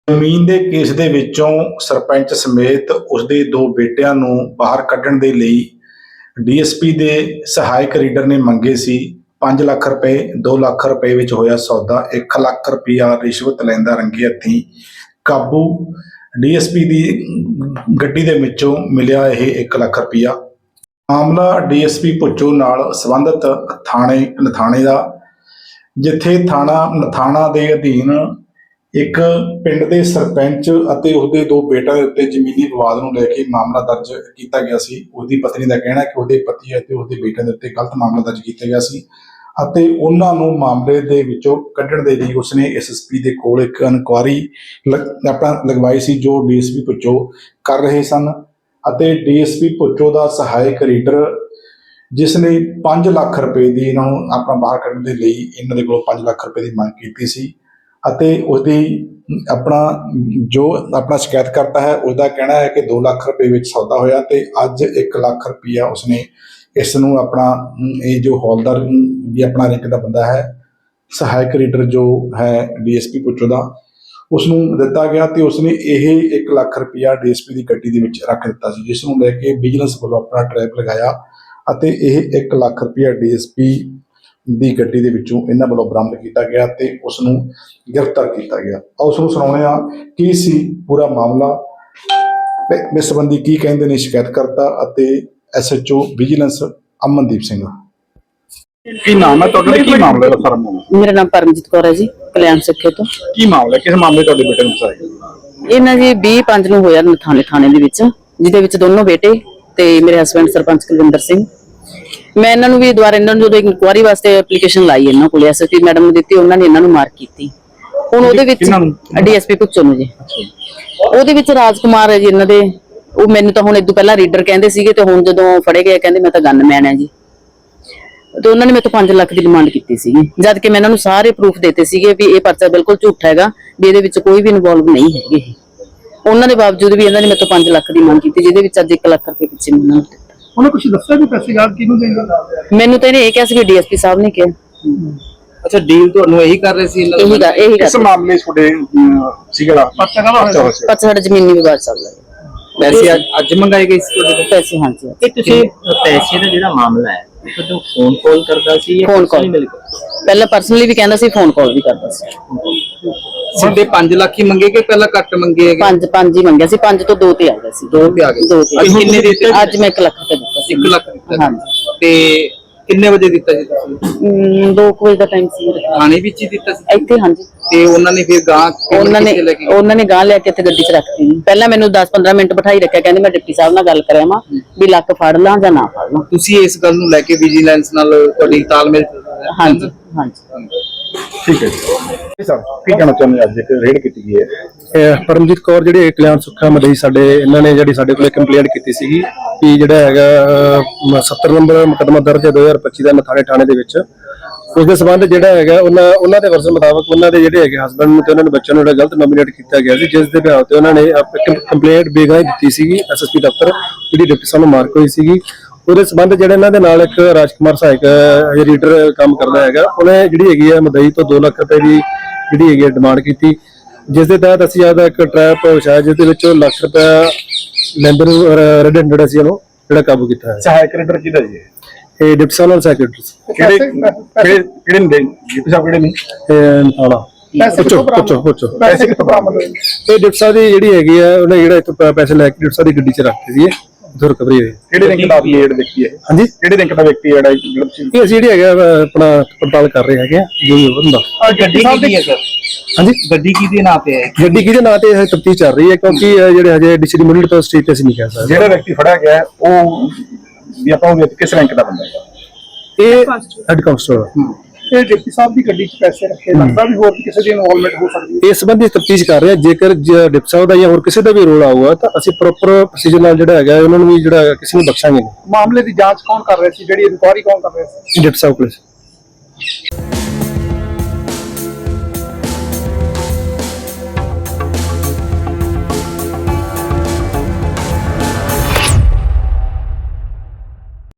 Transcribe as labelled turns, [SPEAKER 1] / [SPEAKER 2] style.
[SPEAKER 1] ਜ਼ਮੀਨ ਦੇ ਕੇਸ ਦੇ ਵਿੱਚੋਂ ਸਰਪੰਚ ਸਮੇਤ ਉਸਦੇ ਦੋ ਬੇਟਿਆਂ ਨੂੰ ਬਾਹਰ ਕੱਢਣ ਦੇ ਲਈ ਡੀਐਸਪੀ ਦੇ ਸਹਾਇਕ ਰੀਡਰ ਨੇ ਮੰਗੇ ਸੀ 5 ਲੱਖ ਰੁਪਏ। 2 ਲੱਖ ਰੁਪਏ ਵਿੱਚ ਹੋਇਆ ਸੌਦਾ। 1 ਲੱਖ ਰੁਪਇਆ ਰਿਸ਼ਵਤ ਲੈਂਦਾ ਰੰਗੇ ਹੱਥੀਂ ਕਾਬੂ। ਡੀਐਸਪੀ ਦੀ ਗੱਡੀ ਦੇ ਵਿੱਚੋਂ ਮਿਲਿਆ ਇਹ 1 ਲੱਖ ਰੁਪਇਆ। ਮਾਮਲਾ ਡੀਐਸਪੀ ਭੁੱਚੋ ਨਾਲ ਸੰਬੰਧਿਤ ਥਾਣੇ ਦਾ, ਜਿੱਥੇ ਥਾਣਾ ਨਥਾਣਾ ਦੇ ਅਧੀਨ ਇੱਕ ਪਿੰਡ ਦੇ ਸਰਪੰਚ ਅਤੇ ਉਸਦੇ ਦੋ ਬੇਟਿਆਂ ਦੇ ਉੱਤੇ ਜ਼ਮੀਨੀ ਵਿਵਾਦ ਨੂੰ ਲੈ ਕੇ ਮਾਮਲਾ ਦਰਜ ਕੀਤਾ ਗਿਆ ਸੀ। ਉਸਦੀ ਪਤਨੀ ਦਾ ਕਹਿਣਾ ਕਿ ਉਹਦੇ ਪਤੀ ਅਤੇ ਉਸਦੇ ਬੇਟਿਆਂ ਦੇ ਉੱਤੇ ਗਲਤ ਮਾਮਲਾ ਦਰਜ ਕੀਤਾ ਗਿਆ ਸੀ ਅਤੇ ਉਹਨਾਂ ਨੂੰ ਮਾਮਲੇ ਦੇ ਵਿੱਚੋਂ ਕੱਢਣ ਦੇ ਲਈ ਉਸਨੇ ਐਸਐਸਪੀ ਦੇ ਕੋਲ ਇੱਕ ਇਨਕੁਆਇਰੀ ਲਗਵਾਈ ਸੀ, ਜੋ ਡੀਐਸਪੀ ਭੁੱਚੋ ਕਰ ਰਹੇ ਸਨ। ਅਤੇ ਡੀਐਸਪੀ ਭੁੱਚੋ ਦਾ ਸਹਾਇਕ ਰੀਡਰ, ਜਿਸ ਨੇ 5 ਲੱਖ ਰੁਪਏ ਦੀ ਇਹਨਾਂ ਨੂੰ ਆਪਣਾ ਬਾਹਰ ਕੱਢਣ ਦੇ ਲਈ ਇਹਨਾਂ ਦੇ ਕੋਲੋਂ 5 ਲੱਖ ਰੁਪਏ ਦੀ ਮੰਗ ਕੀਤੀ ਸੀ ਅਤੇ ਉਸਦੀ ਆਪਣਾ ਸ਼ਿਕਾਇਤ ਕਰਤਾ ਹੈ, ਉਸਦਾ ਕਹਿਣਾ ਹੈ ਕਿ 2 ਲੱਖ ਰੁਪਏ ਵਿੱਚ ਸੌਦਾ ਹੋਇਆ ਤੇ ਅੱਜ 1 ਲੱਖ ਰੁਪਇਆ ਉਸਨੇ ਇਸ ਨੂੰ ਆਪਣਾ ਇਹ ਜੋ ਹੌਲਦਾਰ ਵੀ ਆਪਣਾ ਰੈਂਕ ਦਾ ਬੰਦਾ ਹੈ, ਸਹਾਇਕ ਰੀਡਰ ਜੋ ਹੈ ਡੀਐਸਪੀ ਭੁੱਚੋ ਦਾ, ਉਸ ਨੂੰ ਦਿੱਤਾ ਗਿਆ ਤੇ ਉਸਨੇ ਇਹ 1 ਲੱਖ ਰੁਪਇਆ ਡੀਐਸਪੀ ਦੀ ਗੱਡੀ ਦੇ ਵਿੱਚ ਰੱਖ ਦਿੱਤਾ ਸੀ, ਜਿਸ ਨੂੰ ਲੈ ਕੇ ਵਿਜੀਲੈਂਸ ਵੱਲੋਂ ਆਪਣਾ ਟਰੈਪ ਲਗਾਇਆ ਅਤੇ ਇਹ 1 ਲੱਖ ਰੁਪਇਆ ਡੀਐਸਪੀ ਦੀ ਗੱਡੀ ਦੇ ਵਿੱਚੋਂ ਇਹਨਾਂ ਵੱਲੋਂ ਬਰਾਮਦ ਕੀਤਾ ਗਿਆ ਤੇ ਉਸ ਨੂੰ ਗ੍ਰਿਫਤਾਰ ਕੀਤਾ ਗਿਆ। ਉਸ ਨੂੰ ਸੁਣਾਉਂਦੇ ਹਾਂ ਕੀ ਸੀ ਪੂਰਾ ਮਾਮਲਾ, ਇਸ ਸੰਬੰਧੀ ਕੀ ਕਹਿੰਦੇ ਨੇ ਸ਼ਿਕਾਇਤਕਰਤਾ ਅਤੇ ਐਸਐਚਓ ਵਿਜੀਲੈਂਸ ਅਮਨਦੀਪ ਸਿੰਘ।
[SPEAKER 2] ਕੀ ਨਾਮ ਹੈ ਤੁਹਾਡਾ, ਕੀ ਮਾਮਲਾ ਹੈ ਸਰ?
[SPEAKER 3] ਮੇਰਾ ਨਾਮ ਪਰਮਜੀਤ ਕੌਰ ਹੈ ਜੀ, ਕਲਿਆਣ ਸਿੱਖੇ ਤੋਂ।
[SPEAKER 2] ਕੀ ਮਾਮਲਾ, ਕਿਸ ਮਾਮਲੇ ਤੁਹਾਡੇ ਬੇਟੇ ਨੂੰ ਫਸਾਇਆ?
[SPEAKER 3] ਇਹਨਾਂ ਜੀ 20/5 ਨੂੰ ਹੋਇਆ ਨਥਾਣੇ ਥਾਣੇ ਦੇ ਵਿੱਚ, ਜਿਹਦੇ ਵਿੱਚ ਦੋਨੋਂ ਬੇਟੇ ਤੇ ਮੇਰੇ ਹਸਬੰਡ ਸਰਪੰਚ ਕੁਲਵਿੰਦਰ ਸਿੰਘ। ਮੈਂ ਇਹਨਾਂ ਨੂੰ ਵੀ ਦੁਬਾਰਾ ਇਹਨਾਂ ਨੂੰ ਜਦੋਂ ਇਨਕੁਆਇਰੀ ਵਾਸਤੇ ਐਪਲੀਕੇਸ਼ਨ ਲਾਈ ਇਹਨਾਂ ਕੋਲ, ਐਸਐਸਪੀ ਮੈਡਮ ਨੂੰ ਦਿੱਤੀ, ਉਹਨਾਂ ਨੇ ਇਹਨਾਂ ਨੂੰ ਮਾਰਕ ਕੀਤੀ। ਹੁਣ ਉਹਦੇ ਵਿੱਚ ਡੀਐਸਪੀ ਭੁੱਚੋ ਨੂੰ ਜੀ, ਉਹਦੇ ਵਿੱਚ ਰਾਜਕੁਮਾਰ ਹੈ ਜੀ ਇਹਨਾਂ ਦੇ। ਉਹ ਮੈਨੂੰ ਤਾਂ ਹੁਣ ਇਦੋਂ ਪਹਿਲਾਂ ਰੀਡਰ ਕਹਿੰਦੇ ਸੀਗੇ ਤੇ ਹੁਣ ਜਦੋਂ ਫੜੇ ਗਏ ਕਹਿੰਦੇ ਮੈਂ ਤਾਂ ਗਨਮੈਨ ਹੈ ਜੀ। ਤੇ ਉਹਨਾਂ ਨੇ ਮੇਰੇ ਤੋਂ 5 ਲੱਖ ਦੀ ਡਿਮਾਂਡ ਕੀਤੀ ਸੀਗੀ, ਜਦ ਕਿ ਮੈਂ ਇਹਨਾਂ ਨੂੰ ਸਾਰੇ ਪ੍ਰੂਫ ਦਿੱਤੇ ਸੀਗੇ ਵੀ ਇਹ ਪਰਚਾ ਬਿਲਕੁਲ ਝੂਠਾ ਹੈਗਾ, ਵੀ ਇਹਦੇ ਵਿੱਚ ਕੋਈ ਵੀ ਇਨਵੋਲਵ ਨਹੀਂ ਹੈਗੇ। ਉਹਨਾਂ ਦੇ ਬਾਵਜੂਦ ਵੀ ਇਹਨਾਂ ਨੇ ਮੇਰੇ ਤੋਂ 5 ਲੱਖ ਦੀ ਮੰਗ ਕੀਤੀ, ਜਿਹਦੇ ਵਿੱਚ ਅੱਜ 1 ਲੱਖ ਰੁਪਏ ਪਿੱਛੇ ਮੈਨੂੰ ਦਿੱਤਾ।
[SPEAKER 2] ਉਹਨੇ ਕੁਝ ਦੱਸਿਆ ਵੀ ਪੈਸੇ ਗਾਲ ਕਿਹਨੂੰ ਦੇਂਗੇ?
[SPEAKER 3] ਮੈਨੂੰ ਤਾਂ ਇਹਨੇ ਇਹ ਕਿਹਾ ਸੀ ਵੀ ਡੀਐਸਪੀ ਸਾਹਿਬ ਨੇ ਕਿਹਾ।
[SPEAKER 4] ਅੱਛਾ, ਡੀਲ ਤੁਹਾਨੂੰ ਇਹੀ ਕਰ ਰਹੇ ਸੀ?
[SPEAKER 3] ਇਹੀ
[SPEAKER 2] ਇਸ ਮਾਮਲੇ ਤੁਹਾਡੇ ਸੀਗਾ ਪਰਚਾ ਕਾਹਦਾ?
[SPEAKER 3] ਪਰਚਾ ਸਾਡਾ ਜ਼ਮੀਨੀ ਵਿਵਾਦ ਚੱਲਦਾ ਹੈ।
[SPEAKER 4] ਪੈਸੇ ਅੱਜ ਮੰਗਾਏ ਗਏ ਸੀ ਤੁਹਾਡੇ ਕੋਲ?
[SPEAKER 3] ਪੈਸੇ ਹਾਂਜੀ।
[SPEAKER 4] ਇਹ ਤੁਸੀਂ ਪੈਸੇ ਦਾ ਜਿਹੜਾ ਮਾਮਲਾ ਹੈ ਤੁਹਾਨੂੰ ਫੋਨ ਕਾਲ ਕਰਦਾ ਸੀ ਜਾਂ
[SPEAKER 3] ਫੋਨ ਕਾਲ? ਪਹਿਲਾਂ ਪਰਸਨਲੀ ਵੀ ਕਹਿੰਦਾ ਸੀ, ਫੋਨ ਕਾਲ ਵੀ ਕਰਦਾ ਸੀ।
[SPEAKER 4] ਸਿੱਧੇ 5 ਲੱਖ ਹੀ ਮੰਗੇ ਕਿ ਪਹਿਲਾਂ ਘੱਟ ਮੰਗੇ?
[SPEAKER 3] 5 ਹੀ ਮੰਗਿਆ ਸੀ, 5 ਤੋਂ 2 ਤੇ ਆ ਗਿਆ ਸੀ।
[SPEAKER 4] 2 ਤੇ ਆ ਗਏ।
[SPEAKER 3] ਕਿੰਨੇ ਦਿੱਤੇ? ਅੱਜ ਮੈਂ 1 ਲੱਖ ਰੁਪਏ ਦਿੱਤਾ ਸੀ।
[SPEAKER 4] 1 ਲੱਖ ਦਿੱਤਾ?
[SPEAKER 3] ਹਾਂਜੀ।
[SPEAKER 4] ਤੇ ਕਿੰਨੇ ਵਜੇ ਦਿੱਤਾ ਸੀ ਤੁਸੀਂ?
[SPEAKER 3] 2 ਵਜੇ ਦਾ ਟਾਈਮ ਸੀ।
[SPEAKER 4] ਥਾਣੇ ਵਿੱਚ ਹੀ ਦਿੱਤਾ ਸੀ
[SPEAKER 3] ਇੱਥੇ? ਹਾਂਜੀ।
[SPEAKER 4] ਤੇ ਉਹਨਾਂ ਨੇ ਫਿਰ ਉਹਨਾਂ
[SPEAKER 3] ਨੇ ਗਾਂ ਲੈ ਕੇ ਇੱਥੇ ਗੱਡੀ 'ਚ ਰੱਖਤੀ। ਪਹਿਲਾਂ ਮੈਨੂੰ 10-15 ਮਿੰਟ ਬਿਠਾਈ ਰੱਖਿਆ, ਕਹਿੰਦੇ ਮੈਂ ਡਿਪਟੀ ਸਾਹਿਬ ਨਾਲ ਗੱਲ ਕਰਿਆ ਵਾਂ ਵੀ ਲੱਕ ਫੜ ਲਾਂ ਜਾਂ ਨਾ ਫੜ ਲਾਂ।
[SPEAKER 4] ਤੁਸੀਂ ਇਸ ਗੱਲ ਨੂੰ ਲੈ ਕੇ ਵਿਜੀਲੈਂਸ ਨਾਲ ਤੁਹਾਡੀ ਤਾਲਮੇਲ?
[SPEAKER 3] ਹਾਂਜੀ ਹਾਂਜੀ।
[SPEAKER 2] ਠੀਕ ਹੈ ਜੀ ਸਰ, ਕੀ ਕਹਿਣਾ ਚਾਹੁੰਦੇ? ਅੱਜ ਇੱਕ ਰੇਡ ਕੀਤੀ ਗਈ ਹੈ।
[SPEAKER 5] ਪਰਮਜੀਤ ਕੌਰ ਜਿਹੜੇ ਕਲਿਆਣ ਸੁੱਖਾ ਮਦਈ ਸਾਡੇ, ਇਹਨਾਂ ਨੇ ਜਿਹੜੀ ਸਾਡੇ ਕੋਲ ਕੰਪਲੇਂਟ ਕੀਤੀ ਸੀਗੀ ਕਿ ਜਿਹੜਾ ਹੈਗਾ 70 ਨੰਬਰ ਮੁਕੱਦਮਾ ਦਰਜ ਹੈ 2025 ਦਾ ਨਥਾਣੇ ਥਾਣੇ ਦੇ ਵਿੱਚ। ਉਸ ਦੇ ਸੰਬੰਧ ਜਿਹੜਾ ਹੈਗਾ ਉਹਨਾਂ ਦੇ ਵਰਜ਼ਨ ਮੁਤਾਬਕ ਉਹਨਾਂ ਦੇ ਜਿਹੜੇ ਹੈਗੇ ਹਸਬੰਡ ਨੂੰ ਤੇ ਉਹਨਾਂ ਦੇ ਬੱਚਿਆਂ ਨੂੰ ਜਿਹੜਾ ਗਲਤ ਨੋਮੀਨੇਟ ਕੀਤਾ ਗਿਆ ਸੀ, ਜਿਸ ਦੇ ਬਿਆਨ ਤੇ ਉਹਨਾਂ ਨੇ ਕੰਪਲੇਂਟ ਬੇਗਾਈ ਦਿੱਤੀ ਸੀਗੀ ਐਸਐਸਪੀ ਦਫ਼ਤਰ, ਜਿਹੜੀ ਡਿਪਟੀ ਸਾਹਿਬ ਨੂੰ ਮਾਰਕ ਹੋਈ ਸੀਗੀ। ਉਹਦੇ ਸੰਬੰਧ ਜਿਹੜੇ ਇਹਨਾਂ ਦੇ ਨਾਲ ਇੱਕ ਰਾਜਕੁਮਾਰ ਸਹਾਇਕ ਰੀਡਰ ਕੰਮ ਕਰਦਾ ਹੈਗਾ, ਉਹਨੇ ਜਿਹੜੀ ਹੈਗੀ ਹੈ ਮਦਈ ਤੋਂ 2 ਲੱਖ ਰੁਪਏ ਦੀ ਜਿਹੜੀ ਹੈਗੀ ਡਿਮਾਂਡ ਕੀਤੀ, ਜਿਸ ਦੇ ਤਹਿਤ ਅਸੀਂ ਆਪਦਾ ਇੱਕ ਟਰੈਪ ਵਿਛਾਇਆ, ਜਿਸ ਦੇ ਵਿੱਚ ਲੱਖ ਰੁਪਇਆ ਲੈਂਦੇ ਨੂੰ ਰੈਡ ਹੈਂਡਡ ਅਸੀਂ ਉਹਨੂੰ ਜਿਹੜਾ ਕਾਬੂ ਕੀਤਾ ਹੈ।
[SPEAKER 2] ਸਹਾਇਕ ਰੀਡਰ ਕਿਹਦਾ ਜੀ?
[SPEAKER 5] ਇਹ ਡਿਪਟੀ ਸਾਹਿਬ ਨਾਲ ਸੈਕਟਰੀ
[SPEAKER 2] ਕਿਹੜੇ ਨੇ ਡਿਪਟੀ ਸਾਹਿਬ ਕਿਹੜੇ ਨੇ? ਪੈਸੇ ਕਿੱਥੋਂ ਬਰਾਮਦ ਹੋਏ?
[SPEAKER 5] ਇਹ ਡਿਪਟੀ ਸਾਹਿਬ ਦੀ ਜਿਹੜੀ ਹੈਗੀ ਆ, ਉਹਨੇ ਜਿਹੜਾ ਇੱਥੋਂ ਪੈਸੇ ਲੈ ਕੇ ਡਿਪਟੀ ਸਾਹਿਬ ਦੀ ਗੱਡੀ 'ਚ ਰੱਖਤੇ ਸੀ, ਉਧਰ ਰਿਕਵਰੀ ਹੋਈ।
[SPEAKER 2] ਕਿਹੜੇ ਰੈਂਕ ਦਾ ਲੀਡ ਵਿਅਕਤੀ ਹੈ? ਹਾਂਜੀ, ਕਿਹੜੇ ਰੈਂਕ ਦਾ ਵਿਅਕਤੀ ਹੈ
[SPEAKER 5] ਇਹ ਅਸੀਂ ਜਿਹੜੀ ਹੈਗਾ ਆਪਣਾ ਪੜਤਾਲ ਕਰ ਰਹੇ ਹੈਗੇ ਆ ਜੋ ਵੀ ਹੁੰਦਾ।
[SPEAKER 4] ਗੱਡੀ ਕਿਹਦੀ ਹੈ ਸਰ?
[SPEAKER 5] ਹਾਂਜੀ,
[SPEAKER 4] ਗੱਡੀ ਕਿਹਦੇ ਨਾਂ ਤੇ ਹੈ?
[SPEAKER 5] ਗੱਡੀ ਕਿਹਦੇ ਨਾਂ ਤੇ ਤਫਤੀਸ਼ ਚੱਲ ਰਹੀ ਹੈ, ਕਿਉਂਕਿ ਜਿਹੜੇ ਹਜੇ ਡਿਸਟ੍ਰਿਕਟ ਮਿਡਲ ਤੋਂ ਸਟੇਟ ਤੇ ਅਸੀਂ ਨਹੀਂ ਕਹਿ ਸਕਦੇ।
[SPEAKER 2] ਜਿਹੜਾ ਵਿਅਕਤੀ ਫੜਿਆ ਗਿਆ ਉਹ ਵੀ ਆਪਾਂ ਉਹ ਕਿਸ ਰੈਂਕ ਦਾ ਬੰਦਾ ਹੈ?
[SPEAKER 5] ਇਹ ਹੈਡ ਕਾਂਸਟੇਬਲ।
[SPEAKER 2] ਇਹ ਡਿਪਟੀ ਸਾਹਿਬ ਦੀ ਗੱਡੀ 'ਚ ਪੈਸੇ ਰੱਖੇ, ਲੱਗਦਾ ਵੀ ਹੋਰ ਕਿਸੇ ਦੀ ਇਨਵੋਲਵਮੈਂਟ ਹੋ ਸਕਦੀ ਹੈ।
[SPEAKER 5] ਇਸ ਸੰਬੰਧੀ ਤਫਤੀਸ਼ ਕਰ ਰਹੇ ਹਾਂ। ਜੇਕਰ ਡਿਪਟੀ ਸਾਹਿਬ ਦਾ ਜਾਂ ਹੋਰ ਕਿਸੇ ਦਾ ਵੀ ਰੋਲ ਆਊਗਾ ਤਾਂ ਅਸੀਂ ਪ੍ਰੋਪਰ ਪ੍ਰੋਸੀਜਰ ਨਾਲ ਜਿਹੜਾ ਹੈਗਾ ਉਹਨਾਂ ਨੂੰ ਵੀ ਜਿਹੜਾ ਕਿਸੇ ਨੂੰ ਬਖਸ਼ਾਂਗੇ ਨਹੀਂ।
[SPEAKER 2] ਮਾਮਲੇ ਦੀ ਜਾਂਚ ਕੌਣ ਕਰ ਰਿਹਾ ਸੀ? ਜਿਹੜੀ ਇਨਕੁਆਇਰੀ ਕੌਣ ਕਰ ਰਿਹਾ ਸੀ?
[SPEAKER 5] ਡਿਪਟੀ ਸਾਹਿਬ ਪੁਲਿਸ।